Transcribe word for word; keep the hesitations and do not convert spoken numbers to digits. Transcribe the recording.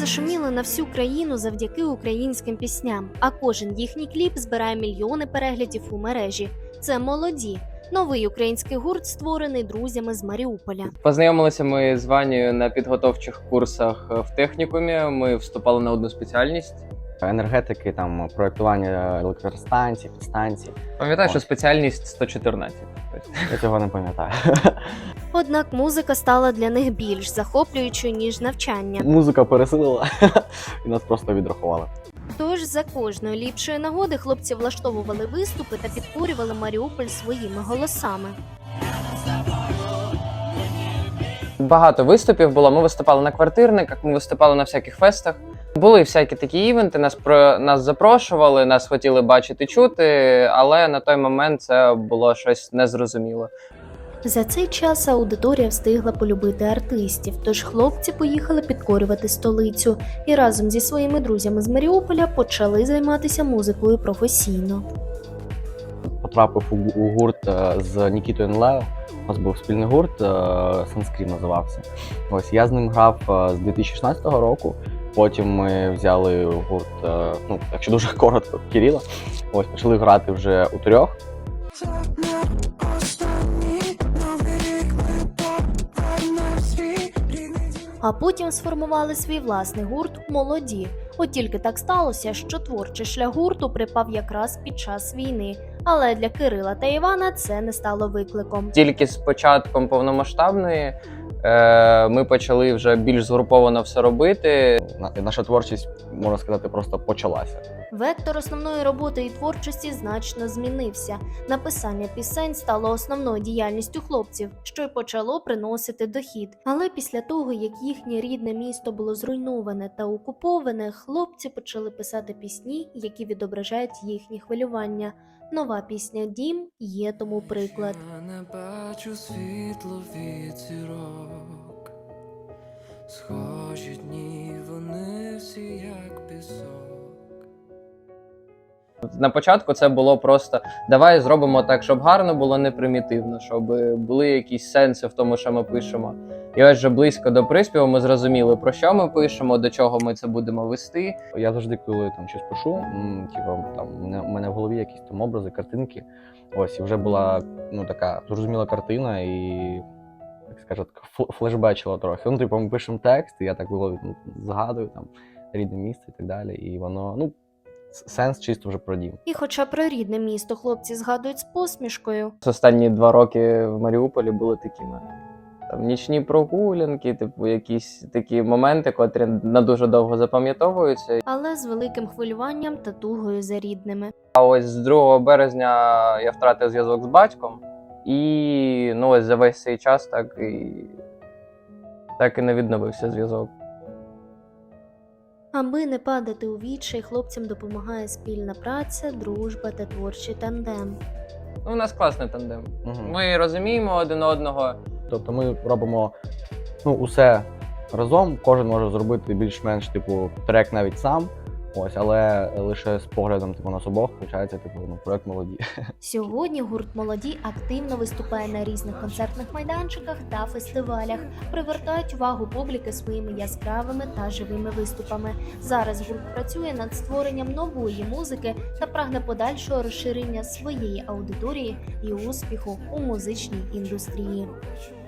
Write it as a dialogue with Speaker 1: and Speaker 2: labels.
Speaker 1: зашуміли на всю країну завдяки українським пісням, а кожен їхній кліп збирає мільйони переглядів у мережі. Це «Молоді» – новий український гурт, створений друзями з Маріуполя.
Speaker 2: Познайомилися ми з Ванією на підготовчих курсах в технікумі. Ми вступали на одну спеціальність.
Speaker 3: Енергетики, там, проєктування електростанцій, підстанцій.
Speaker 2: Пам'ятаю, що спеціальність сто чотирнадцять.
Speaker 3: Я цього не пам'ятаю.
Speaker 1: Однак музика стала для них більш захоплюючою, ніж навчання.
Speaker 3: Музика пересилила і нас просто відрахували.
Speaker 1: Тож за кожної ліпшої нагоди хлопці влаштовували виступи та підкорювали Маріуполь своїми голосами.
Speaker 2: Багато виступів було. Ми виступали на квартирниках, ми виступали на всяких фестах. Були всякі такі івенти, нас про нас запрошували, нас хотіли бачити, чути, але на той момент це було щось незрозуміло.
Speaker 1: За цей час аудиторія встигла полюбити артистів, тож хлопці поїхали підкорювати столицю і разом зі своїми друзями з Маріуполя почали займатися музикою професійно.
Speaker 3: Потрапив у, у гурт з Нікітою Нлео. У нас був спільний гурт, Санскрім називався. Ось я з ним грав з дві тисячі шістнадцятого року. Потім ми взяли гурт, ну, якщо дуже коротко, Кирила. Ось почали грати вже у трьох.
Speaker 1: А потім сформували свій власний гурт «Молоді». От тільки так сталося, що творчий шлях гурту припав якраз під час війни. Але для Кирила та Івана це не стало викликом.
Speaker 2: Тільки з початком повномасштабної е, ми почали вже більш згруповано все робити.
Speaker 3: Наша творчість, можна сказати, просто почалася.
Speaker 1: Вектор основної роботи і творчості значно змінився. Написання пісень стало основною діяльністю хлопців, що й почало приносити дохід. Але після того, як їхнє рідне місто було зруйноване та окуповане, хлопці почали писати пісні, які відображають їхні хвилювання. Нова пісня «Дім» є тому приклад.
Speaker 4: Я не бачу світло від зірок, схожі дні, вони всі як пісок.
Speaker 2: На початку це було просто давай зробимо так, щоб гарно було, не примітивно, щоб були якісь сенси в тому, що ми пишемо. І ось вже близько до приспіву ми зрозуміли, про що ми пишемо, до чого ми це будемо вести.
Speaker 3: Я завжди, коли там щось пишу, м, типу, там у мене, у мене в голові якісь там образи, картинки. Ось, і вже була, ну, така зрозуміла картина і, як скажуть, флешбечила трохи. Ну, типу, ми пишемо текст, і я так було, ну, згадую там рідне місце і так далі. І воно, ну, сенс чисто вже про дім.
Speaker 1: І хоча про рідне місто хлопці згадують з посмішкою.
Speaker 2: Останні два роки в Маріуполі були такими. Там нічні прогулянки, типу якісь такі моменти, котрі на дуже довго запам'ятовуються.
Speaker 1: Але з великим хвилюванням та тугою за рідними.
Speaker 2: А ось з другого березня я втратив зв'язок з батьком. І ну ось за весь цей час так і, так і не відновився зв'язок.
Speaker 1: Аби не падати у відчай, хлопцям допомагає спільна праця, дружба та творчий тандем.
Speaker 2: Ну, у нас класний тандем.
Speaker 3: Угу.
Speaker 2: Ми розуміємо один одного.
Speaker 3: Тобто ми робимо, ну, усе разом, кожен може зробити більш-менш, типу, трек навіть сам, ось, але лише з поглядом, типу, нас обох, виходить, типу, ну, проект «Молоді».
Speaker 1: Сьогодні гурт «Молоді» активно виступає на різних концертних майданчиках та фестивалях, привертають увагу публіки своїми яскравими та живими виступами. Зараз гурт працює над створенням нової музики та прагне подальшого розширення своєї аудиторії і успіху у музичній індустрії.